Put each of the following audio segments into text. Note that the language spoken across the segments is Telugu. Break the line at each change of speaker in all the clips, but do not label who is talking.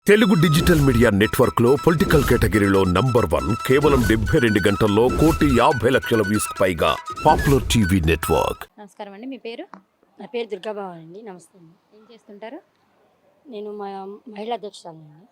తెలుగు డిజిటల్ మీడియా నెట్వర్క్ లో పొలిటికల్ కేటగిరీలో నంబర్ 1 కేవలం 72 గంటల్లో 1,50,00,000 వ్యూస్ పైగా పాపులర్ టీవీ నెట్వర్క్.
నమస్కారం అండి. మీ పేరు?
నా పేరు దుర్గాబాబు అండి. నమస్తే అండి.
ఏం చేస్తుంటారు?
నేను మహిళా అధ్యక్షురాలండి.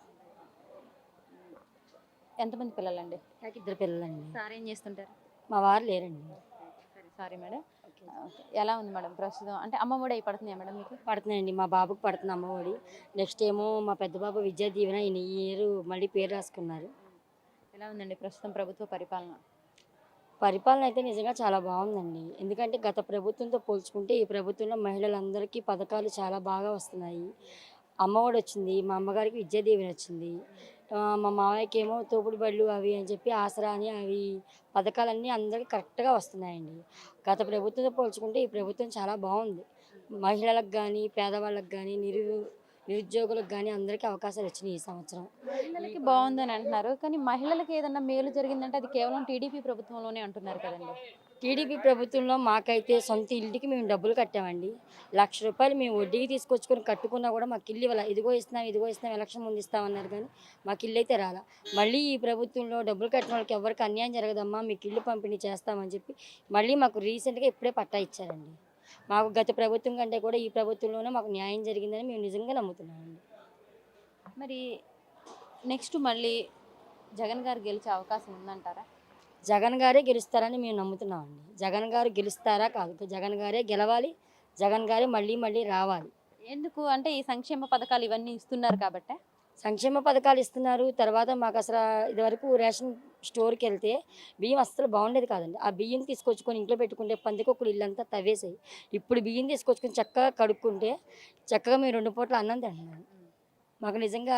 ఎంతమంది పిల్లలండి?
నాకు 2 పిల్లలండి.
సార్ ఏం చేస్తుంటారు?
మా వారు లేరండి.
Sorry madam. ఎలా ఉంది మేడం ప్రస్తుతం? అంటే అమ్మఒడి అయి పడుతున్నాయా మేడం మీకు?
పడుతున్నాయండి. మా బాబుకి పడుతుంది అమ్మఒడి. నెక్స్ట్ ఏమో మా పెద్ద బాబు విద్యా దీవెన ఈ ఇయర్ మళ్ళీ పేరు రాసుకున్నారు.
ఎలా ఉందండి ప్రస్తుతం ప్రభుత్వ పరిపాలన?
పరిపాలన అయితే నిజంగా చాలా బాగుందండి. ఎందుకంటే గత ప్రభుత్వంతో పోల్చుకుంటే ఈ ప్రభుత్వంలో మహిళలందరికీ పథకాలు చాలా బాగా వస్తున్నాయి. అమ్మఒడి వచ్చింది, మా అమ్మగారికి విద్యా దీవెన వచ్చింది, మా మామయ్యకి ఏమో తోపుడు బళ్ళు అవి అని చెప్పి ఆసరా అని అవి పథకాలన్నీ అందరికీ కరెక్ట్గా వస్తున్నాయండి. గత ప్రభుత్వంతో పోల్చుకుంటే ఈ ప్రభుత్వం చాలా బాగుంది. మహిళలకు కానీ పేదవాళ్ళకి కానీ నిరుద్యోగులకు కానీ అందరికీ అవకాశాలు వచ్చినాయి ఈ సంవత్సరం.
మహిళలకి బాగుందని అంటున్నారు, కానీ మహిళలకి ఏదన్నా మేలు జరిగిందంటే అది కేవలం టీడీపీ ప్రభుత్వంలోనే అంటున్నారు కదండి.
టీడీపీ ప్రభుత్వంలో మాకైతే సొంత ఇంటికి మేము డబ్బులు కట్టామండి. ₹1,00,000 మేము వడ్డీకి తీసుకొచ్చుకొని కట్టుకున్నా కూడా మాకు ఇల్లు ఇవ్వాలి. ఇదిగో ఇస్తున్నాం ఎలక్షన్ ముందు ఇస్తామన్నారు, కానీ మాకు ఇల్లు అయితే రాలా. మళ్ళీ ఈ ప్రభుత్వంలో డబ్బులు కట్టిన వాళ్ళకి ఎవరికి అన్యాయం జరగదమ్మా, మీకు ఇల్లు పంపిణీ చేస్తామని చెప్పి మళ్ళీ మాకు రీసెంట్గా ఇప్పుడే పట్టా ఇచ్చారండి. మాకు గత ప్రభుత్వం కంటే కూడా ఈ ప్రభుత్వంలోనే మాకు న్యాయం జరిగిందని మేము నిజంగా నమ్ముతున్నామండి.
మరి నెక్స్ట్ మళ్ళీ జగన్ గారు గెలిచే అవకాశం ఉందంటారా?
జగన్ గారే గెలుస్తారని మేము నమ్ముతున్నామండి. జగన్ గారు గెలుస్తారా కాదు, జగన్ గారే గెలవాలి, జగన్ గారే మళ్ళీ మళ్ళీ రావాలి.
ఎందుకు అంటే ఈ సంక్షేమ పథకాలు ఇవన్నీ ఇస్తున్నారు కాబట్టి.
సంక్షేమ పథకాలు ఇస్తున్నారు. తర్వాత మాకు అసలు ఇదివరకు రేషన్ స్టోర్కి వెళ్తే బియ్యం అస్సలు బాగుండేది కాదండి. ఆ బియ్యం తీసుకొచ్చుకొని ఇంట్లో పెట్టుకుంటే పందికొక్కులు ఇల్లంతా తవ్వేసాయి. ఇప్పుడు బియ్యం తీసుకొచ్చుకొని చక్కగా కడుక్కుంటే చక్కగా మేము 2 పూట్ల అన్నం తింటున్నాం. మాకు నిజంగా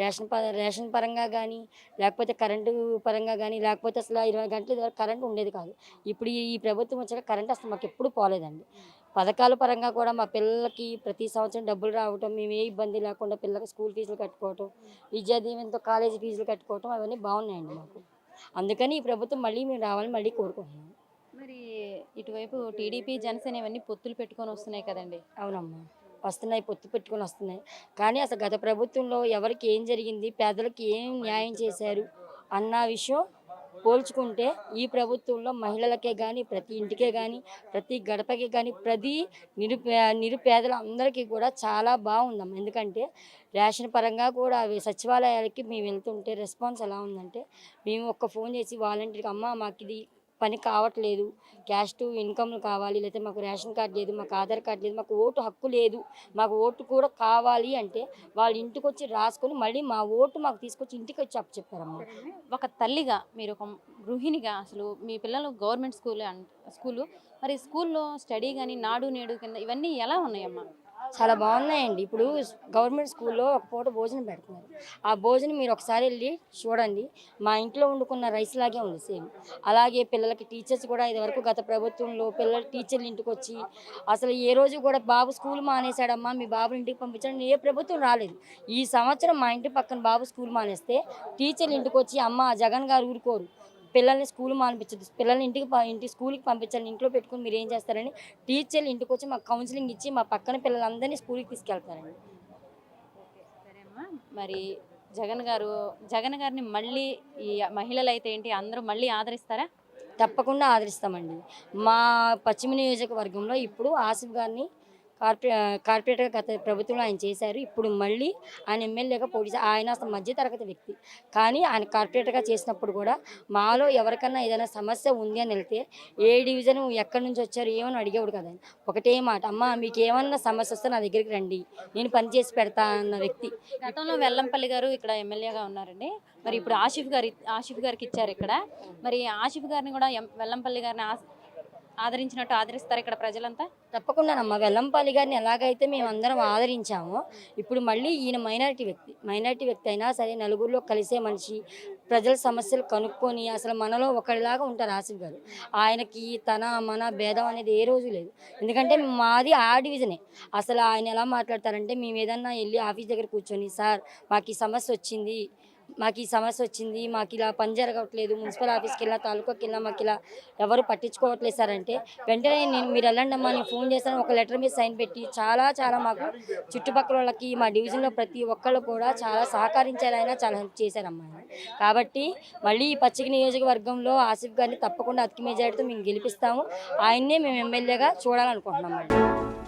రేషన్ పరంగా కానీ, లేకపోతే కరెంటు పరంగా కానీ, లేకపోతే అసలు 20 గంటలు ఇదివరకు కరెంటు ఉండేది కాదు. ఇప్పుడు ఈ ప్రభుత్వం వచ్చాక కరెంట్ అసలు మాకు ఎప్పుడు పోలేదండి. పథకాల పరంగా కూడా మా పిల్లలకి ప్రతి సంవత్సరం డబ్బులు రావటం, మేము ఏ ఇబ్బంది లేకుండా పిల్లలకి స్కూల్ ఫీజులు కట్టుకోవటం, విద్యా దీవెనతో కాలేజీ ఫీజులు కట్టుకోవటం అవన్నీ బాగున్నాయండి మాకు. అందుకని ఈ ప్రభుత్వం మళ్ళీ మేము రావాలని మళ్ళీ కోరుకుంటున్నాం.
మరి ఇటువైపు టీడీపీ జనసేన ఇవన్నీ పొత్తులు పెట్టుకొని వస్తున్నాయి కదండి.
అవునమ్మా, వస్తున్నాయి, పొత్తు పెట్టుకొని వస్తున్నాయి. కానీ అసలు గత ప్రభుత్వంలో ఎవరికి ఏం జరిగింది, పేదలకు ఏం న్యాయం చేశారు అన్న విషయం పోల్చుకుంటే ఈ ప్రభుత్వంలో మహిళలకే కానీ, ప్రతి ఇంటికే కానీ, ప్రతి గడపకి కానీ, ప్రతి నిరుపేదల అందరికీ కూడా చాలా బాగుందమ్మా. ఎందుకంటే రేషన్ పరంగా కూడా అవి సచివాలయాలకి మేము వెళ్తుంటే రెస్పాన్స్ ఎలా ఉందంటే, మేము ఒక్క ఫోన్ చేసి వాలంటీర్కి అమ్మ మాకు ఇది పని కావట్లేదు, క్యాష్ టు ఇన్కమ్ కావాలి, లేకపోతే మాకు రేషన్ కార్డు లేదు, మాకు ఆధార్ కార్డు లేదు, మాకు ఓటు హక్కు లేదు, మాకు ఓటు కూడా కావాలి అంటే వాళ్ళ ఇంటికి వచ్చి రాసుకొని మళ్ళీ మా ఓటు మాకు తీసుకొచ్చి ఇంటికి వచ్చి అప్పచెప్పారమ్మా.
ఒక తల్లిగా, మీరు ఒక గృహిణిగా, అసలు మీ పిల్లలు గవర్నమెంట్ స్కూలు మరి స్కూల్లో స్టడీ కానీ నాడు నేడు కింద ఇవన్నీ ఎలా ఉన్నాయమ్మా?
చాలా బాగున్నాయండి. ఇప్పుడు గవర్నమెంట్ స్కూల్లో ఒక పూట భోజనం పెడుతున్నారు. ఆ భోజనం మీరు ఒకసారి వెళ్ళి చూడండి, మా ఇంట్లో వండుకున్న రైస్ లాగే ఉంది సేమ్. అలాగే పిల్లలకి టీచర్స్ కూడా ఇదివరకు గత ప్రభుత్వంలో పిల్లలు టీచర్లు ఇంటికి వచ్చి అసలు ఏ రోజు కూడా బాబు స్కూల్ మానేశాడమ్మా, మీ బాబుని ఇంటికి పంపించండి ఏ ప్రభుత్వం రాలేదు. ఈ సంవత్సరం మా ఇంటి పక్కన బాబు స్కూల్ మానేస్తే టీచర్లు ఇంటికి వచ్చి అమ్మ జగన్ గారు ఊరుకోరు, పిల్లల్ని స్కూల్ మానిపించదు, పిల్లల్ని ఇంటి స్కూల్కి పంపించాలి, ఇంట్లో పెట్టుకుని మీరు ఏం చేస్తారని టీచర్లు ఇంటికి వచ్చి మాకు కౌన్సిలింగ్ ఇచ్చి మా పక్కన పిల్లలందరినీ స్కూల్కి తీసుకెళ్తారండి.
సరే అమ్మా, మరి జగన్ గారిని మళ్ళీ ఈ మహిళలు అయితే ఏంటి అందరూ మళ్ళీ ఆదరిస్తారా?
తప్పకుండా ఆదరిస్తామండి. మా పశ్చిమ నియోజకవర్గంలో ఇప్పుడు ఆసిఫ్ గారిని కార్పొరేటర్గా గత ప్రభుత్వంలో ఆయన చేశారు. ఇప్పుడు మళ్ళీ ఆయన ఎమ్మెల్యేగా పోటీ ఆయన అసలు మధ్యతరగతి వ్యక్తి, కానీ ఆయన కార్పొరేటర్గా చేసినప్పుడు కూడా మాలో ఎవరికన్నా ఏదైనా సమస్య ఉంది అని వెళ్తే ఏ డివిజన్ ఎక్కడి నుంచి వచ్చారు ఏమని అడిగేవాడు కదా. ఒకటే మాట, అమ్మ మీకు ఏమన్నా సమస్య వస్తే నా దగ్గరికి రండి, నేను పని చేసి పెడతా అన్న వ్యక్తి.
గతంలో వెల్లంపల్లి గారు ఇక్కడ ఎమ్మెల్యేగా ఉన్నారండి. మరి ఇప్పుడు ఆసిఫ్ గారికి ఇచ్చారు ఇక్కడ. మరి ఆసిఫ్ గారిని కూడా వెల్లంపల్లి గారిని ఆదరించినట్టు ఆదరిస్తారు ఇక్కడ ప్రజలంతా?
తప్పకుండానమ్మా. వెల్లంపల్లి గారిని ఎలాగైతే మేము అందరం ఆదరించామో ఇప్పుడు మళ్ళీ ఈయన మైనారిటీ వ్యక్తి అయినా సరే నలుగురిలో కలిసే మనిషి, ప్రజల సమస్యలు కనుక్కొని అసలు మనలో ఒకరిలాగా ఉంటారు ఆసిఫ్ గారు. ఆయనకి మన భేదం అనేది ఏ రోజు లేదు. ఎందుకంటే మాది ఆ డివిజనే. అసలు ఆయన ఎలా మాట్లాడతారంటే, మేము ఏదన్నా వెళ్ళి ఆఫీస్ దగ్గర కూర్చొని సార్ మాకు ఈ సమస్య వచ్చింది, మాకు ఈ సమస్య వచ్చింది, మాకు ఇలా పని జరగట్లేదు, మున్సిపల్ ఆఫీస్కి వెళ్ళినా తాలూకాకి వెళ్ళినా మాకు ఇలా ఎవరు పట్టించుకోవట్లేదు సార్ అంటే, వెంటనే మీరు వెళ్ళండి అమ్మా, నేను ఫోన్ చేస్తాను, ఒక లెటర్ మీద సైన్ పెట్టి చాలా మాకు చుట్టుపక్కల వాళ్ళకి మా డివిజన్లో ప్రతి ఒక్కళ్ళు కూడా చాలా సహకరించారు, ఆయన చాలా హెల్ప్ చేశారమ్మా ఆయన. కాబట్టి మళ్ళీ ఈ పచ్చిక నియోజకవర్గంలో ఆసిఫ్ గారిని తప్పకుండా అతికి మెజారిటీతో మేము గెలిపిస్తాము, ఆయన్నే మేము ఎమ్మెల్యేగా చూడాలనుకుంటున్నాం.